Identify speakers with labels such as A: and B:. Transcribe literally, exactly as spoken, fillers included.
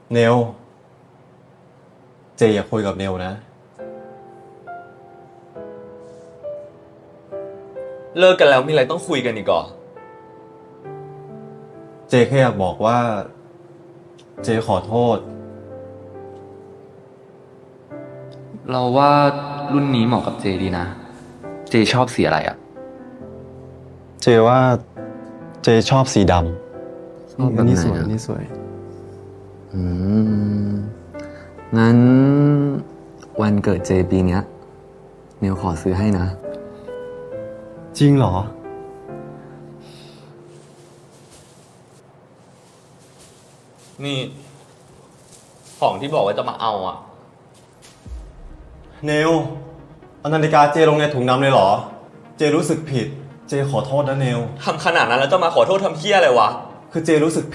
A: เนลเจอย่าคุยกับเนลนะ
B: เลิกกันแล้วมีอะไรต้องคุยกันอีกเหรอ
A: เจแค่อยากบอกว่า เจขอโทษ
C: เราว่ารุ่นนี้เหมาะกับเจดีนะ เจชอบสีอะไรอะ
A: เจว่าเจชอบสีดำ
C: ชอบแบบไหนอะ
A: นี่สวยนี่สวย
C: อืม งั้นวันเกิดเจปีเนี้ยเนียวขอซื้อให้นะ
A: จริงเหรอ
B: นี่ ของที่บอกว่าจะมาเอาอะ
A: เนลเอานาฬิกาเจลงในถุงดำเลยเหรอ เจรู้สึกผิด เจขอโทษนะเนล
B: ทำขนาดนั้นแล้วจะมาขอโทษทำเพี้ยอะไรวะ
A: คือเจรู้สึก